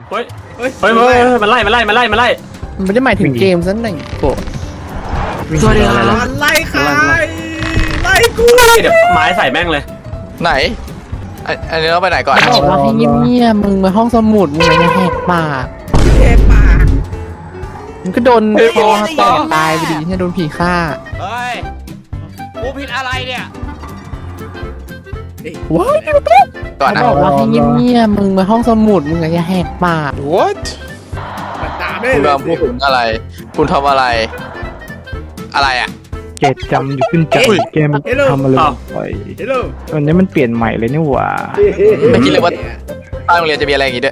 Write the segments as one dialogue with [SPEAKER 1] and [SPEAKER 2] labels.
[SPEAKER 1] เฮ้ยมันไล่มัน
[SPEAKER 2] ไม่ได้หมายถึงเกมซะหน่อยโกรธ
[SPEAKER 1] สวัสดีครับ
[SPEAKER 3] มันไล่ใครไล่กู
[SPEAKER 1] เดี๋ยวไม้ใส่แม่งเลย
[SPEAKER 4] ไหนอันนี้เราไปไหนก่อน
[SPEAKER 2] บอกว่าให้เงียบๆมึงมาห้องสมุดมึงอย่าแหกปาก
[SPEAKER 3] เทปาก
[SPEAKER 2] มึงก็โดนคอแตกตายไปดิเนี่ยโดนผีฆ่า
[SPEAKER 4] เฮ้ยกูผิดอะไรเนี่ย
[SPEAKER 2] ว้าย
[SPEAKER 4] ก่อนนะ
[SPEAKER 2] บอกว่าให้เงียบๆมึงมาห้องสมุดมึงอย่าแหกปาก
[SPEAKER 4] What
[SPEAKER 3] มันตามได้
[SPEAKER 4] คุณ
[SPEAKER 3] เลย
[SPEAKER 4] กำลังพูดถึงอะไร คุณทำอะไร อะไรอ่ะ
[SPEAKER 5] เกตจำอยู่ขึ้นใจเกมทำอะไรไป
[SPEAKER 3] เฮลโล
[SPEAKER 5] วันนี้มันเปลี่ยนใหม่เลยนี่หว่า
[SPEAKER 4] ไม่คิดเลยว่าใต้โรงเรียนจะมีอะไรอย่างงี้ด้วย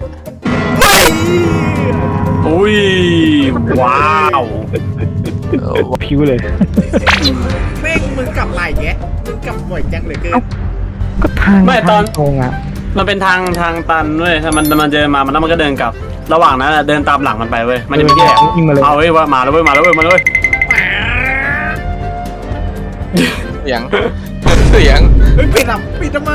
[SPEAKER 1] อุ้ยว้าว
[SPEAKER 5] พิ้วเลย
[SPEAKER 3] แม่งมึงกลับไหลแกมึงกลับบ่อยจังเลยเกิน
[SPEAKER 5] ก็ทางตรงอ่ะ
[SPEAKER 1] มันเป็นทางตันเว้ยถ้ามันเจอมาแล้วมันก็เดินกลับ ระหว่างนั้นเดินตามหลังมันไปเว้ยมันจะมีที่แอบ
[SPEAKER 5] ยิงมาเลย
[SPEAKER 1] เอาเว้ยว่ามาแล้วเว้ยมาแล้วเว้ย
[SPEAKER 4] เสียง เสียง
[SPEAKER 3] เฮ้ยปิดทำไม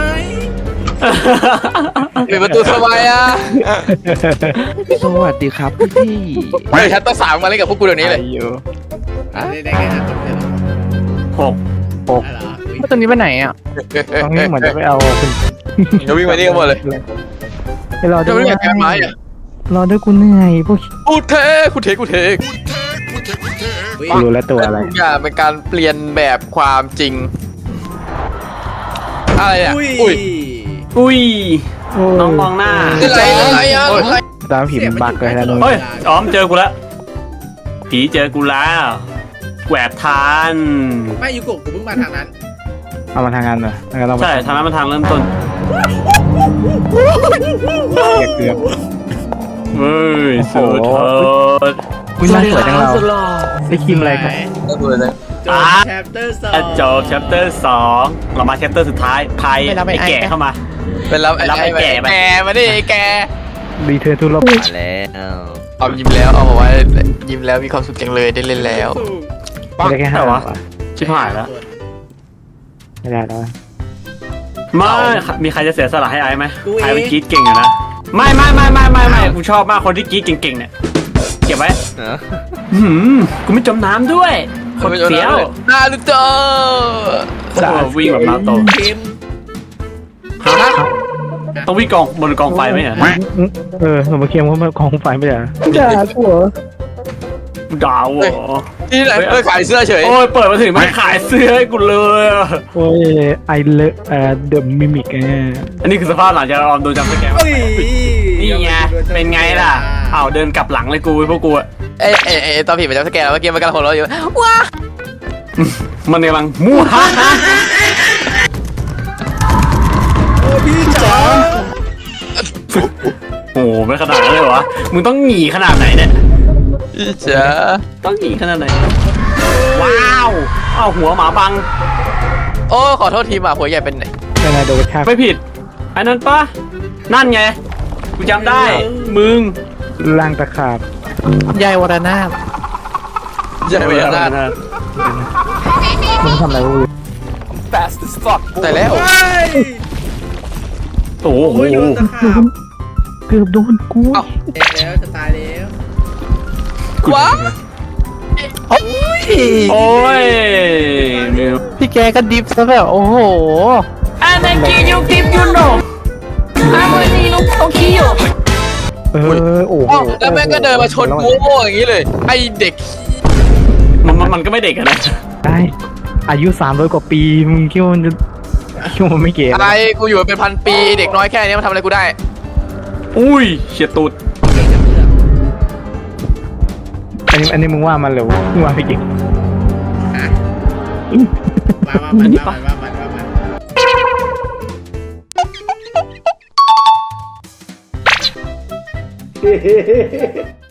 [SPEAKER 4] ปิดประตูทำไมอ่ะ
[SPEAKER 2] สวัสดีครับพี่
[SPEAKER 4] เฮ้ยชัตเตอร์สามมาเล่นกับพวกกูเดี๋ยวนี้เลย
[SPEAKER 5] อยู่
[SPEAKER 3] ได้แค่นั้นจบเลยเหรอ
[SPEAKER 1] 6
[SPEAKER 3] อะไรเหรอ
[SPEAKER 2] ว่าตอนนี้ไปไหนอ่ะ
[SPEAKER 5] ตรงนี้เหมือนจะไปเอาคุณ
[SPEAKER 4] จะวิ่งมานี่กันหมดเลย
[SPEAKER 5] ไปรอ
[SPEAKER 4] จะ
[SPEAKER 5] ด้วย
[SPEAKER 4] วิ่งมาแกนไม้อ่ะ
[SPEAKER 5] รอด้วยกูเหนื่อยพวก
[SPEAKER 4] กูเทกูเท
[SPEAKER 5] รู้แล้วตัวอะไร
[SPEAKER 4] ทุกอย่างเป็นการเปลี่ยนแบบความจริง อะไรอ่ะ
[SPEAKER 3] อุ้ย
[SPEAKER 1] อุ้ยน้องมองหน้า
[SPEAKER 4] อะไรอ่ะ
[SPEAKER 5] ตามผีมันบักเลยนะนุ้
[SPEAKER 1] เฮ้
[SPEAKER 5] ย
[SPEAKER 1] ยอ๋อมเจอกูแล้วผีเจอกูแล้วแหวกทาน
[SPEAKER 3] ไม่ยูโกะกูเพิ่งมาทางนั้น
[SPEAKER 5] เอามาทางงานเหรอทางงานเรา
[SPEAKER 1] ใช่ทางนั้นมันทางเริ่มต้น
[SPEAKER 5] เกือบ
[SPEAKER 1] เฮ้ยสุดเถิด
[SPEAKER 5] คุณน่าสวยจังเราได้คิมอะไรครับ
[SPEAKER 4] ก็ดูเลย
[SPEAKER 3] จบแชปเตอร์สอง
[SPEAKER 1] จบ chapter 2เรามา chapter สุดท้ายใครไอ้แก่เข้ามา
[SPEAKER 4] เป็นรับ
[SPEAKER 1] รับไอ้แก่ไป
[SPEAKER 4] แกมาดิแก
[SPEAKER 5] รีเทิร์นทุลบ
[SPEAKER 4] เอายิ้มแล้วเอาบอกว่ายิ้มแล้วมีความสุขจังเลยได้เล่นแล้ว
[SPEAKER 5] ไม่ได้แค่ห้า
[SPEAKER 1] วะ ชิบหายแล้ว
[SPEAKER 5] ไม่ได้แล้ว
[SPEAKER 1] ไม่มีใครจะเสียสละให้ไอ้ไหมไอ้มันกรีดเก่งอยู่นะไม่กูชอบมากคนที่กรีดเก่งๆเนี่ยเก็บไว้กูไม่จมน้ำด้วยคนเสียว
[SPEAKER 4] นารูโตะ
[SPEAKER 1] วิ่งแบบนาโต
[SPEAKER 3] เกม
[SPEAKER 1] ต้องวิ่งบนกองไฟไหมอ่ะ
[SPEAKER 5] หนูมาเคียมเขามากองไฟไม่ได้ด่าผัว
[SPEAKER 1] ดาวเหรอ
[SPEAKER 4] ที่ไหนขายเสื้อเฉย
[SPEAKER 1] โอ้ยเปิดมาถึงไม่ขายเสื้อให้กูเลยอะ
[SPEAKER 5] โอ้ยไอเลเดอะมิมิก
[SPEAKER 1] อันนี้คือสภาพหลังจากออมโดนจับสแกม
[SPEAKER 3] อุ้ย
[SPEAKER 1] นี่ไงเป็นไงล่ะอ้าวเดินกลับหลังเลยกูพวกกูอะ
[SPEAKER 4] เอ้ตอนผีมันจะสแกนแล้วเมื่อกี้มันกำลังหัวเราะอยู่ว้า
[SPEAKER 1] มันกำลังมู่ฮ่าฮ่า
[SPEAKER 3] โอ้พี่จ๋า
[SPEAKER 1] โอ้โหไม่ขนาดนั้นเลยวะมึงต้องหนีขนาดไหนเนี่ย
[SPEAKER 4] พี่จ๋า
[SPEAKER 1] ต้องหนีขนาดไหนว้าวอ้าวหัวหมาบัง
[SPEAKER 4] โอ้ขอโทษทีหมาหัวใหญ่เป็นไหน
[SPEAKER 5] ยังไงโดนฆ่า
[SPEAKER 1] ไม่ผิดอันนั้นปะนั่นไงกูจำได้มึง
[SPEAKER 5] ล่างตะขาบ
[SPEAKER 2] ยายวรนาถ
[SPEAKER 4] ใหญ่ไปแล้วนะ
[SPEAKER 5] มึงทำอะไรกู
[SPEAKER 4] แต่แล้ว
[SPEAKER 3] เฮ้ย
[SPEAKER 1] โอ้โห
[SPEAKER 3] โอ้ยโดนตะขาบ
[SPEAKER 5] เกือบโดนกู
[SPEAKER 3] แล้วจะตายแล้ว
[SPEAKER 4] ว้า
[SPEAKER 1] โอ้ยมิว
[SPEAKER 2] พี่แกก็ดิฟซะแบบโอ้โห
[SPEAKER 1] อันนั้นกินยูกิฟยูโน่อันนี้ลูกโตคิโย
[SPEAKER 5] โอ้โห
[SPEAKER 4] แล้วแม่งก็เดินมาชนกูโง่อย่างนี้เลยไอเด็ก
[SPEAKER 1] มันก็ไม่เด็กอะนะ
[SPEAKER 5] ได้อายุ300 กว่าปีมึงคิดว่ามันจะคิดว่ามันไม่เก๋
[SPEAKER 4] อะไรกูอยู่มาเป็นพันปีเด็กน้อยแค่นี้มันทำอะไรกูได้
[SPEAKER 1] อุ้ยเฉียดตูด
[SPEAKER 5] อันนี้มึงว่ามันหรือมึงว่าพี่เก่ง
[SPEAKER 3] มามัน